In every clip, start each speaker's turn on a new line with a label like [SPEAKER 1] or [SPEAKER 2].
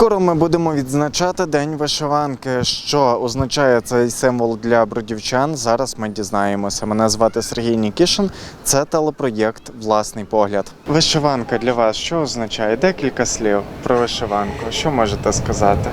[SPEAKER 1] Скоро ми будемо відзначати День вишиванки. Що означає цей символ для бродівчан? Зараз ми дізнаємося. Мене звати Сергій Нікішин. Це телепроєкт «Власний погляд». Вишиванка для вас що означає? Декілька слів про вишиванку. Що можете сказати?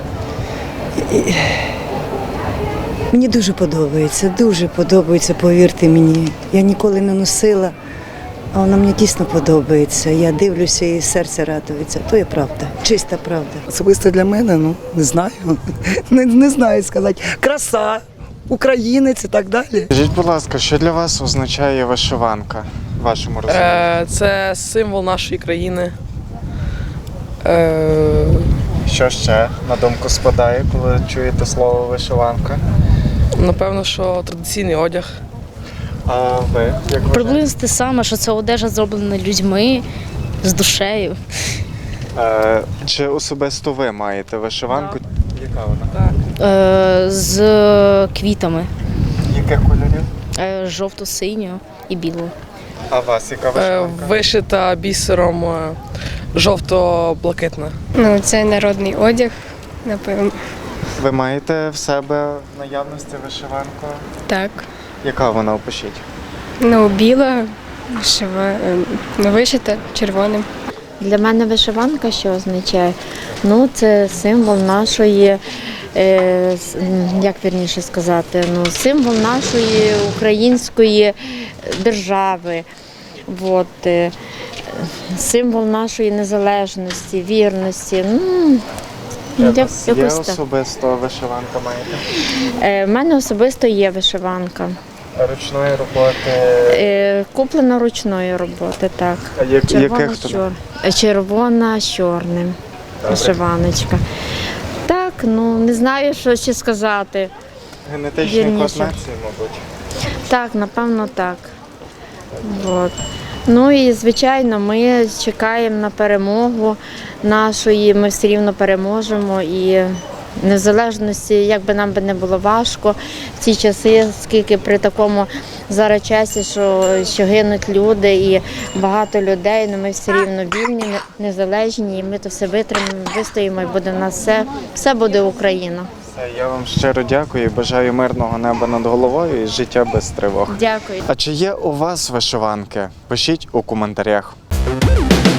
[SPEAKER 2] Мені дуже подобається, повірте мені. Я ніколи не носила, а вона мені дійсно подобається. Я дивлюся і серце радується. То є правда, чиста правда.
[SPEAKER 3] Особисто для мене, не знаю. Не знаю сказати. Краса, українець і так далі.
[SPEAKER 1] Скажіть, будь ласка, що для вас означає вишиванка в вашому розумінні?
[SPEAKER 4] Це символ нашої країни.
[SPEAKER 1] Що ще на думку спадає, коли чуєте слово вишиванка?
[SPEAKER 4] Напевно, що традиційний одяг.
[SPEAKER 1] А ви як вважаєте?
[SPEAKER 5] Приблизно те саме, що це одежа зроблена людьми з душею.
[SPEAKER 1] Чи особисто ви маєте вишиванку? Яка вона?
[SPEAKER 4] Так.
[SPEAKER 5] З квітами
[SPEAKER 1] Яких кольорів?
[SPEAKER 5] жовто-синього і білого.
[SPEAKER 1] А у вас яка вишиванка?
[SPEAKER 4] Вишита бісером жовто-блакитна.
[SPEAKER 6] Ну, це народний одяг, напевно.
[SPEAKER 1] Ви маєте в себе в наявності вишиванку?
[SPEAKER 6] Так.
[SPEAKER 1] Яка вона, опишіть?
[SPEAKER 6] Ну, біла, вишита червоним.
[SPEAKER 7] Для мене вишиванка що означає? Ну, це символ нашої, як вірніше сказати, символ нашої української держави. Символ нашої незалежності, вірності.
[SPEAKER 1] Є особисто вишиванка маєте?
[SPEAKER 7] В мене особисто є вишиванка.
[SPEAKER 1] Ручної роботи?
[SPEAKER 7] Куплена ручної роботи, так.
[SPEAKER 1] А яких то?
[SPEAKER 7] Червона з чорним. Вишиваночка. Так, не знаю, що ще сказати.
[SPEAKER 1] Генетичні
[SPEAKER 7] Вірніше.
[SPEAKER 1] координації, мабуть.
[SPEAKER 7] Так, напевно, так. Ну і, звичайно, ми чекаємо на перемогу нашої, ми все рівно переможемо. І незалежності, як би нам не було важко в ці часи, скільки при такому зараз часі, що гинуть люди і багато людей, але ми все рівно вільні, незалежні, і ми то все витримаємо, вистоїмо, і буде в нас все буде Україна.
[SPEAKER 1] Я вам щиро дякую і бажаю мирного неба над головою і життя без тривог.
[SPEAKER 7] Дякую.
[SPEAKER 1] А чи є у вас вишиванки? Пишіть у коментарях.